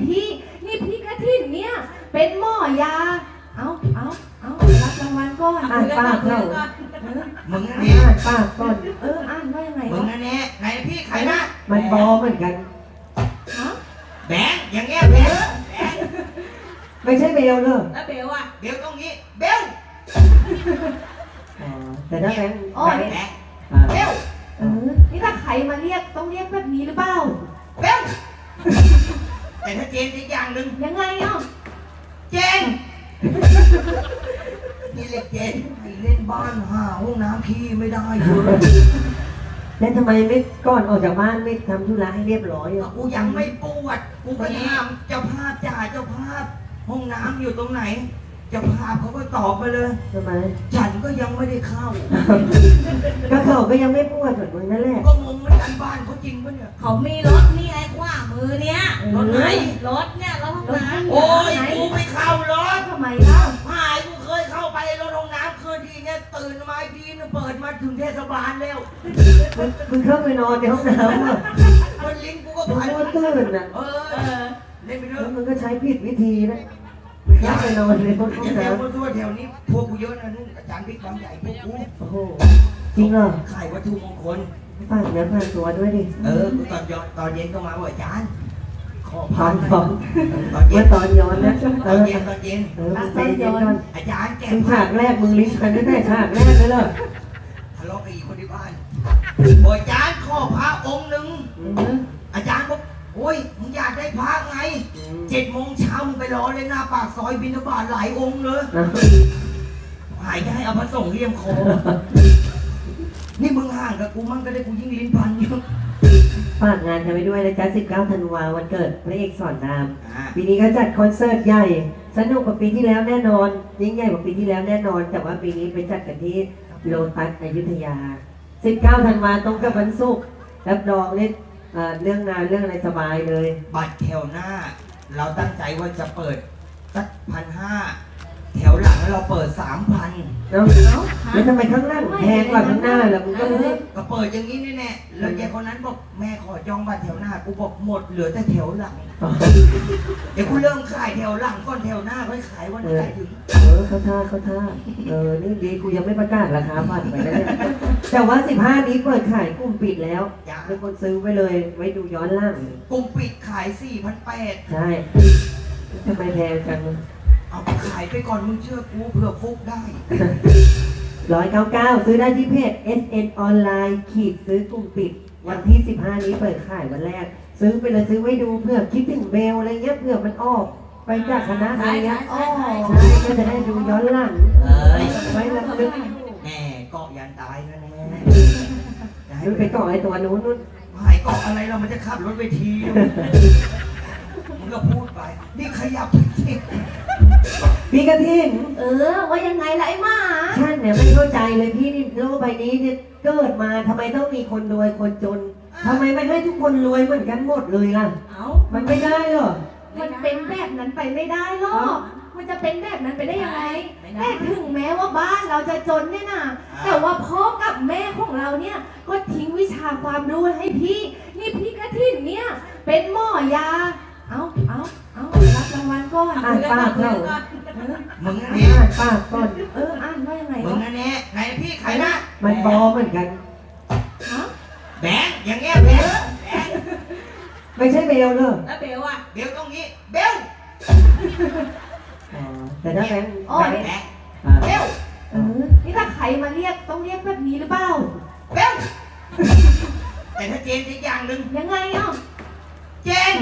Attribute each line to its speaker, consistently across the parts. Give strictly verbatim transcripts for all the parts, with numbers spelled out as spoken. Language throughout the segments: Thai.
Speaker 1: พี่นี่พี่กระถิ่นเนี่ยเป็นหมอยาเอาเอาเอารับรางวัลก่อน
Speaker 2: อ่านปากเรา
Speaker 3: มึงนั่น
Speaker 2: อ่านปากก่อน
Speaker 1: เอออ่านว่ายังไง
Speaker 3: มึงนั่นแน่ไหนพี่ใครนะ
Speaker 2: มันบอเหมือนกัน
Speaker 1: ฮะ
Speaker 3: แบงค์อย่างเงี้ยแบงค์แบงค์
Speaker 2: ไม่ใช่เบลเลย
Speaker 4: แล้วเบลอ่ะ
Speaker 3: เบลตรงนี้เบล
Speaker 2: อ๋อแต่ถ้าแบงค์
Speaker 1: อ๋อ
Speaker 3: แบ
Speaker 1: นี่
Speaker 3: งค์
Speaker 2: อ่า
Speaker 3: เบล
Speaker 1: เออนี่ถ้าใครมาเรียกต้องเรียกแบบนี้หรือเปล่า
Speaker 3: เบลแต่ถ้าเจนอีกอย่างหนึ่ง
Speaker 1: ยังไงอ่ะ
Speaker 3: เจนนี่เรียกเจนไปเล่นบ้านหาห้องน้ำพี่ไม่ได้เลย
Speaker 2: แล้วทำไมไม่ก่อนออกจากบ้านไม่ทำธุระให้เรียบร้อยอ่ะ
Speaker 3: กูยังไม่ปวดกูไปถามเจ้าภาพจ่าเจ้าภาพห้องน้ำอยู่ตรงไหนเจ้าภาพเขาก็ตอบมาเลย
Speaker 2: ทำไม
Speaker 3: ฉันก็ยังไม่ได้เข้า
Speaker 2: ก็เขาก็ยังไม่ปวดเหมือนมึงนั่นแหละ
Speaker 3: ก็งงเหมือนกันบ้านเขาจริงปะเนี่ย
Speaker 4: เขามีรถนี่ไอ้ขวามือเนี่ย
Speaker 3: รถไหน
Speaker 4: รถเนี่ยรถห้องน้ำ
Speaker 3: โอ้ยกูไม่เข้ารถ
Speaker 1: ทำไมเล่า
Speaker 3: หายกูเคยเข้าไปรถห้องน้ำคืนทีเนี่ยตื่นมาอีกทีเนี่ยเปิดมาถึงเทศบาลแล้ว
Speaker 2: มึงมึงเข้าไปนอนในห้องน้ำอ่ะ
Speaker 3: มันลิงกูก็
Speaker 2: มึง
Speaker 3: ผ่าน
Speaker 2: ก็ตื่นอ่ะ
Speaker 3: เอ
Speaker 4: เอ
Speaker 3: อ
Speaker 4: อ
Speaker 3: เล่นไปเถ
Speaker 2: แล้ว
Speaker 3: อะ
Speaker 2: มึงก็ใช้ผิดวิธีนะเข้าไปนอนในห้อง
Speaker 3: อย่าแถว
Speaker 2: น้ำ
Speaker 3: มาทั่วแถวนี้พวกกูเยอะนะนู่นอาจารย์บิ๊กบางใหญ่พวกกู
Speaker 2: โอ้โหจริงเหรอ
Speaker 3: ขายวัตถุมงคล
Speaker 2: ฝากเนื้อฝากตัวด้วยดิ
Speaker 3: เออกูตอนย้อนตอนเย็นก็มาบอกอาจารย์ขอ
Speaker 2: พร้
Speaker 3: พา
Speaker 2: อม
Speaker 3: น
Speaker 2: พร้อม
Speaker 3: ตอนเย็
Speaker 2: เมื่อน ตอนย้อนนะ
Speaker 3: ต
Speaker 2: เอ
Speaker 3: อน
Speaker 2: อ
Speaker 3: เย็นตอนเย็น
Speaker 2: เออมึงใจเย็นก่อน
Speaker 3: อาจารย์แกะ
Speaker 2: มึง
Speaker 3: ผ้า
Speaker 2: ฉากแรกมึงลิ้นพันตั้งแต่ฉากแรกเลยเหรอ
Speaker 3: ทะเลาะกับอีกคนที่บ้านบอกอาจารย์ขอพระองค์หนึ่ง
Speaker 1: เออ
Speaker 3: อาจารย์บอกโอ้ยมึงอยากได้พระไงเจ็ดโมงเช้ามึงไปรอเลยหน้าปากซอยบิณฑบาตหลายองค์เลย
Speaker 2: นะ
Speaker 3: หายจะให้เอาพระสงฆ์เลี่ยมคอนี่มึงห่างกับกูมั่งก็ได้กูยิ่งลิ้นพันอยู่
Speaker 2: ฝากงานกันไปด้วยนะจ๊ะสิบเก้าธันวาวันเกิดพระเอกสอนราม
Speaker 3: อ่า
Speaker 2: ปีนี้ก็จัดคอนเสิร์ตใหญ่ สนุกกว่าปีที่แล้วแน่นอน ยิ่งใหญ่กว่าปีที่แล้วแน่นอน แต่ว่าปีนี้ไปจัดกันที่โลตัสอยุธยา สิบเก้าธันวาตรงกับวันศุกร์รับรองเนี่ยเอ่อเรื่องงานเรื่องอะไรสบายเลย
Speaker 3: บัตรแถวหน้า เราตั้งใจว่าจะเปิดสักพันห้าแถวหลังเราเปิดสามพัน
Speaker 2: แล้วแล้วทำไมข้างหน้าแพงกว่าข้างหน้าล่ะมึงก็ไม่ได้
Speaker 3: ก็เปิดอย่างนี้แน่ๆแล้วยายคนนั้นบอกแม่ขอจองบัตรแถวหน้ากูบอกหมดเหลือแต่แถวหลัง เดี๋ยวกูเริ่มขายแถวหลังก่อนแถวหน้าค่อยขายวันไหนถึง
Speaker 2: เออเขาท่าเขาท่าเออนี่ดีกูยังไม่ประกาศราคาบัตรไปนะเนี่ยแต่ว่าสิบห้านี้เปิดขายกลุ่มปิดแล้วมีคนซื้อไว้เลยไว้ดูย้อนหล่าง
Speaker 3: กลุ่มปิดขายสี่พันแปด
Speaker 2: ใช่ทำไมแพงจัง
Speaker 3: เอาไปขายไปก่อนมึงเชื่อกูเผื่อฟุกได้
Speaker 2: ร้อยเก้าเก้าซื้อได้ที่เพจ เอส เอ็น ออนไลน์ขีดซื้อกลุ่มปิด วันที่สิบห้านี้เปิดขายวันแรก ซื้อไปเลยซื้อไว้ดูเพื่อคิดถึงเบลอะไรเงี้ยเพื่อมันออกไปจากคณะอะไรเงี้ย
Speaker 1: อ๋อ
Speaker 2: ใช่ก็จะได้ดูย้อนหลัง
Speaker 3: เอ้ย
Speaker 2: ไว้ลำลึก
Speaker 3: แม่เกาะยันตายนะแน่จะให้
Speaker 2: ดูไปก่อไอ้ตัวนู้นนู้น
Speaker 3: หายเกาะอะไรเรามันจะขับรถไปทีมึงก็พูดไป นี่ขยับไปสิ
Speaker 2: พี่กระทิง
Speaker 1: เออว่ายังไงล่ะไอ้หมา
Speaker 2: ท่านเนี่ยไม่เข้าใจเลยพี่นี่โลกใบนี้เนี่ยเกิดมาทำไมต้องมีคนรวยคนจนทำไมไม่ให้ทุกคนรวยเหมือนกันหมดเลยล่ะ
Speaker 4: เอา
Speaker 2: มันไม่ได้หรอ
Speaker 1: มันเป็นแบบนั้นไปไม่ได้หรอกมันจะเป็นแบบนั้นไปได้ยังไงแต่ถึงแม้ว่าบ้านเราจะจนเนี่ยนะแต่ว่าพ่อกับแม่ของเราเนี่ยก็ทิ้งวิชาความรู้ให้พี่นี่พี่กระถิ่นเนี่ยเป็นหมอยาเอาเอาเอารับรางวัลก่อน
Speaker 2: อ่านปากเรา
Speaker 1: เออ
Speaker 3: มึงนั่น
Speaker 2: อ่า
Speaker 3: แน่
Speaker 2: นปากก่อน
Speaker 1: เอออ่านว่ายังไง
Speaker 3: มึง
Speaker 1: วะ
Speaker 3: นั่นแน่ไหนพี่ใครนะ
Speaker 2: มันบอเหมือนกัน
Speaker 1: ฮะ
Speaker 3: แบงค์อย่างเงี้ยแบงค์แบงค์
Speaker 2: ไม่ใช่เบลเลย
Speaker 4: แล้วเบลอ่ะ
Speaker 3: เบลตรงนี้เบล
Speaker 2: อ๋อแต่ถ้าแบงค์
Speaker 1: อ๋อ
Speaker 3: แบ
Speaker 1: นี่
Speaker 3: งค์
Speaker 2: อ่า
Speaker 3: เบล
Speaker 1: เออนี่ถ้าใครมาเรียกต้องเรียกแบบนี้หรือเปล่า
Speaker 3: เบลแต่ถ้าเจนอีกอย่างหนึ่ง
Speaker 1: ยังไงอ่ะ
Speaker 3: เจน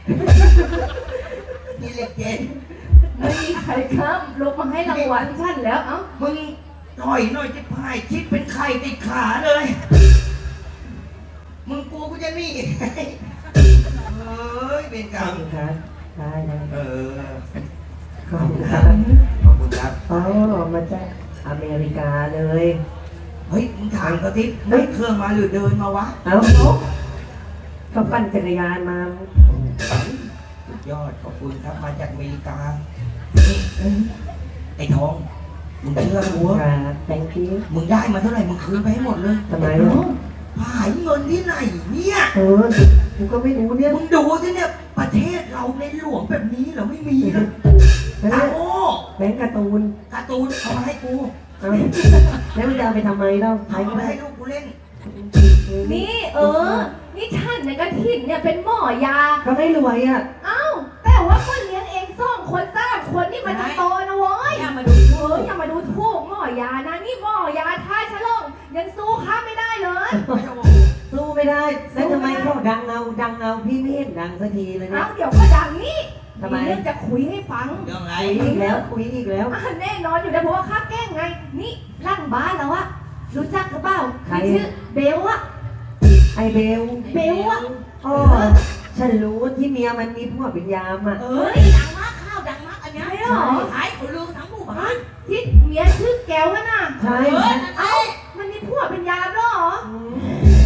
Speaker 3: นี่เรียกเจน
Speaker 1: ไม่มีใครครับลงมาให้รางวัลฉันแล้วเอ้า
Speaker 3: มึงถอยหน่อยจะพายชิดเป็นไข่ติดขาเลย มึงกูก็จะนี่เฮ้ยเป็นกร
Speaker 2: ข
Speaker 3: ร
Speaker 2: อบ
Speaker 3: ม
Speaker 2: คุณครับได้ได้
Speaker 3: เออ
Speaker 2: ขอบคุณครับ
Speaker 3: ขอบคุณครับ
Speaker 2: อ๋อมาจากอเมริกาเลย
Speaker 3: เฮ้ยมึงถามเขาทินั่งเครื่องมาหรือเดินมาวะ
Speaker 2: เอ้าเขาปั่นจักรยานมา
Speaker 3: สุดยอดขอบคุณครับมาจากอเมริกานี่ไอ้ทองมึงเชื่อกู
Speaker 2: ครับ thank you
Speaker 3: มึงได้มาเท่าไหร่มึงคืนไปให้หมดเลย
Speaker 2: ทำไมอ่ะ
Speaker 3: หายเงินที่ไหนเนี่ย
Speaker 2: เออกูก็ไม่รู้เนี่ย
Speaker 3: มึงดูสิเนี่ยประเทศเราในหลวงแบบนี้เหรอไม่มีนะ
Speaker 2: แล้ว
Speaker 3: ตา
Speaker 2: เนี่ย
Speaker 3: โง่
Speaker 2: แบงค์การ์ตูน
Speaker 3: การ์ตูนเอามาให้กู
Speaker 2: เอาแล้วมันจะเอาไปทำไมเล่าใช้
Speaker 3: เอา
Speaker 2: ก็
Speaker 3: มา
Speaker 2: ได้
Speaker 3: ให้ลูกกูเล่น
Speaker 1: นี่เออ นี่ฉันในกระถิ่นเนี่ยเป็นหมอยา
Speaker 2: ก็ไม่รวยอ่ะ
Speaker 1: เอ้า แต่ว่าก็เลี้ยงเองสองคนสามคนนี่มันจะโตนะเว้ย
Speaker 4: อย่ามาดู
Speaker 1: เอ
Speaker 4: ถู
Speaker 1: อก อย่ามาดูถูกหมอยานะ นี่หมอยาท่าฉลองยังสู้ข้าไม่ได้เลย
Speaker 2: สู้ไม่ได้แล้วทำไมเขาดังเงาดังเงาพี่ไม่เห็นดังสักทีเลยเนี่
Speaker 1: เอ้าย เดี๋ยวก็ดังนี่
Speaker 2: ทำไม
Speaker 1: มีเรื่องจะคุยให้ฟัง
Speaker 3: เรื่องอะไร
Speaker 2: คุยอีกแล้วคุยอีกแล้ว
Speaker 1: อ่ะแน่นอนอยู่แล้วเพราะว่าข้าแกล้งไง นี่ร่างบ้านแล้วอะรู้จักหรือเปล่า
Speaker 2: ใคร
Speaker 1: ชื่อเบลอะ
Speaker 2: ไอเบล
Speaker 1: เบลอะ
Speaker 2: อ๋อฉันรู้ที่เมียมันมีผัวเป็นยามอ่ะ
Speaker 4: เอ้ยดังมากข้าวดังมากอันเนี้ย
Speaker 1: ใช่เหรอ
Speaker 4: ขายคนลืมทั้งหมู่บ้าน
Speaker 1: ที่เมียชื่อแก้วอะน่ะ
Speaker 2: ใช่
Speaker 4: เออนั่นแหละ
Speaker 1: เอ้ามันมีผัวเป็นยามด้วยเหรอ
Speaker 2: อืม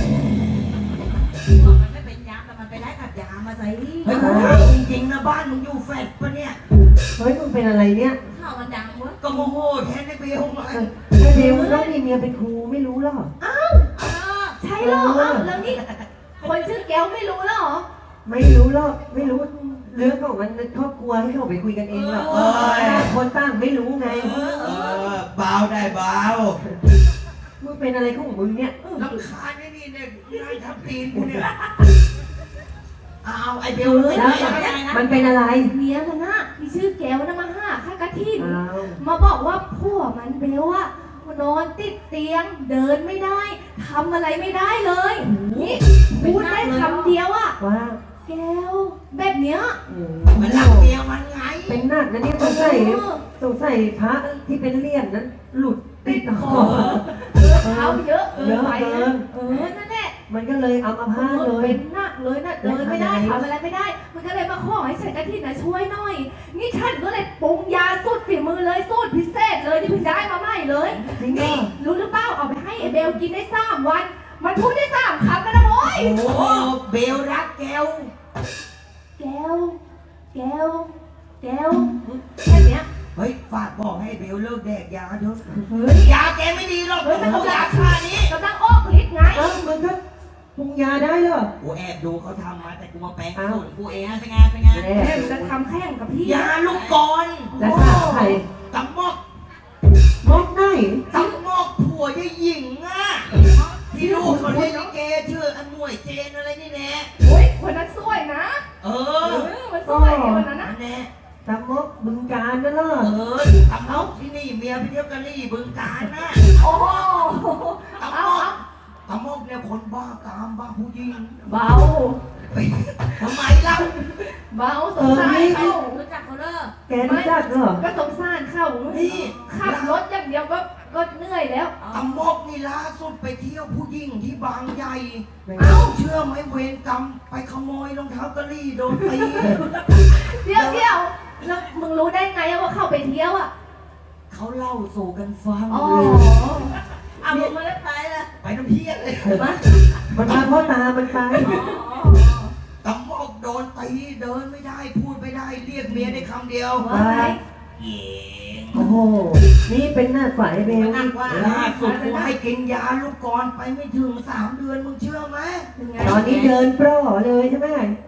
Speaker 4: บอกมันไม่เป็นยามแต่มันไปได้กับยามาใส่
Speaker 3: เฮ้ยกูถามจริงๆนะบ้านมึงอยู่แฟลตปะเนี่ย
Speaker 2: เฮ้ยมึงเป็นอะไรเนี่ย
Speaker 4: ข้าวมันดังเว้ย
Speaker 3: ก็โมโหแทนไอ้เบลมา
Speaker 2: ไอเบลต้องมีเมียเป็นครูไม่รู้หรอ
Speaker 4: เออ
Speaker 1: ใช่เหรอเอ้าแล้วนี่คนชื่อแก้วไม่รู้แล้วเหรอ
Speaker 2: ไม่รู้หรอกไม่รู้เรื่องของมันครอบครัวให้เขาไปคุยกันเองหรอกต่างคนต่างไม่รู้ไง
Speaker 3: เออเบาได้เบา
Speaker 2: มึงเป็นอะไรของมึงเนี่ย
Speaker 3: ลำคาญไอ้นี่เนี่ยนายทับตีนกูเนี่ยเอาไอ้เบล
Speaker 2: แล้ว
Speaker 3: ไอ้เบล
Speaker 2: มันเป็นอะไร
Speaker 1: เมียมันน่ะมีชื่อแก้วนะมาห้าข้ากระทิน
Speaker 2: อ้าว
Speaker 1: มาบอกว่าผัวมันเบลอะนอนติดเตียงเดินไม่ได้ทำอะไรไม่ได้เลยนี่พูดได้คำเดียวอะ
Speaker 2: ว่า
Speaker 1: แก้วแบบเนี้ย
Speaker 2: โอ้
Speaker 3: มันรักเมียมันไง
Speaker 2: เป็นหนักนะเนี่ยสงสัยสงสัยพระที่เป็นเลี่ยนนั้น หลุดติดคอ
Speaker 1: เขาเยอะเกินไป
Speaker 2: เยอะเกิ
Speaker 1: นะ
Speaker 2: น
Speaker 1: เออนั่นแหละ
Speaker 2: มันก็เลยเอามาพาดเลย
Speaker 1: เป็นหนักเลยนะเดินไม่ได้ทำอะไรไม่ได้ มันก็เลยมาขอให้ฉันกระทินนะช่วยหน่อย นี่ฉันก็เลยปรุงยาสูตรฝีมือเลยสูตรพิเศษเลยที่เพิ่งได้มาใหม่เลย
Speaker 2: จริงเหรอ
Speaker 1: นี่รู้หรือเปล่าเอาไปให้ไอเบลกินได้สามวัน มันพูดได้สามคำแล้วนะโว้ย
Speaker 3: โอ้โหเบลรักแก้ว
Speaker 1: แก้ว แก้ว แก้วแค่เนี้ย
Speaker 3: เฮ้ยฝากบอกให้เบลเลิกแดกยาเถอะ
Speaker 1: เฮ้ย
Speaker 3: ยาแกไม่ดีหรอก
Speaker 1: เฮ้ยมัน
Speaker 3: เอา
Speaker 1: กำลั
Speaker 3: ยาง ค่านี้
Speaker 1: กำลังออกฤทธิ์ไง
Speaker 2: เอ้ามันก็ปรุงยาได้เหรอ
Speaker 3: กูแอบดูเขาทำมาแต่กูมาแปลง
Speaker 2: อ้าว
Speaker 3: สูตรกูเอง
Speaker 4: เป็นไงเป็นไง
Speaker 2: แน่
Speaker 1: แม่งจะทำแข่งกับพี่
Speaker 3: ยาลูกกร
Speaker 2: แล้วถ้าใคร
Speaker 3: ตำมอก
Speaker 2: มอกได้
Speaker 3: ตำมอกผัวยายหญิงอ่ะที่ลูกเขาเล่นลิเกชื่ออันหมวยเจนอะไรนี่แน่
Speaker 1: โอ้ยคนนั้นสวยนะ
Speaker 3: เอ
Speaker 1: เอ
Speaker 3: อ
Speaker 1: อมันสวยไงวันนั้น
Speaker 3: นั่
Speaker 1: นะ
Speaker 3: นแน่
Speaker 2: ตามมอกบึงการนั่นเหรอ
Speaker 3: เออตำมอกที่นี่เมียไปเที่ยวกะลี่บึงการนะ
Speaker 1: โอ้โห
Speaker 3: ตำม
Speaker 1: เอา
Speaker 3: อก
Speaker 1: เอา
Speaker 3: ตำมอกเนี่ยคนบ้ากามบ้าผู้หญิง
Speaker 1: เบา
Speaker 3: ทำไมเล่า
Speaker 1: เบาสงสารเขา
Speaker 4: รู้จักเขาเด้อ
Speaker 2: แกรู้จักเหรอ
Speaker 1: ก็สงสารเขา
Speaker 3: นี่
Speaker 1: ขับรถอย่างเดียวก็ก็เหนื่อยแล้ว
Speaker 3: ตำมอกนี่ล่าสุดไปเที่ยวผู้หญิงที่บางใหญ่
Speaker 1: เอ้า
Speaker 3: เชื่อไหมเวรกรรมไปขโมยรองเท้ากะลี่โดนตี
Speaker 1: เดี๋ยวเดี๋ยวแล้วมึงรู้ได้ไงว่าเขาไปเที่ยวอ่ะ
Speaker 3: เขาเล่าสู่กันฟัง
Speaker 1: อ๋อ
Speaker 4: เอามึงมาแล้วไปเลย
Speaker 3: ไปน้ำเพี้ยนเลย
Speaker 1: มา
Speaker 2: มันพาพ่อตามันไป
Speaker 3: ตำมอกโดนตีเดินไม่ได้พูดไม่ได้เรียกเมียได้คำเดียว
Speaker 1: ว่าไง
Speaker 3: เย็ง
Speaker 2: โอ้โห นี่เป็นหน้าฝ่ายเบล
Speaker 4: มันหนักว่า
Speaker 3: ล่าสุดกูให้กินยาลูกกรอนไปไม่ถึงสามเดือนมึงเชื่อไหม
Speaker 1: เป็นไง
Speaker 2: ตอนนี้เดินปล้อเลยใช่ไหม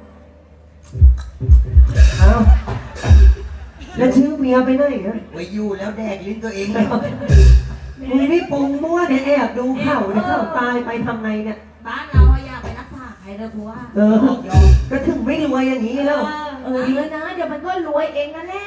Speaker 2: เอาแล้วชื่อเมียไปไหนนะ
Speaker 3: ไปอยู่แล้วแดกลิ้นตัวเองแล้ว
Speaker 2: มึงนี่ปรุงมั่วเนี่ยแอบดูเข่าเนี่ยเข่าตายไปทำไงเนี่ย
Speaker 4: บ้านเราอะอย่าไปรักษาใครเลยกูว่า
Speaker 2: เออ ก็ถึงไม่รวยอย่างนี้แล้ว
Speaker 1: เออดีแล้วนะ เดี๋ยวมันก็รวยเองนั่นแหละ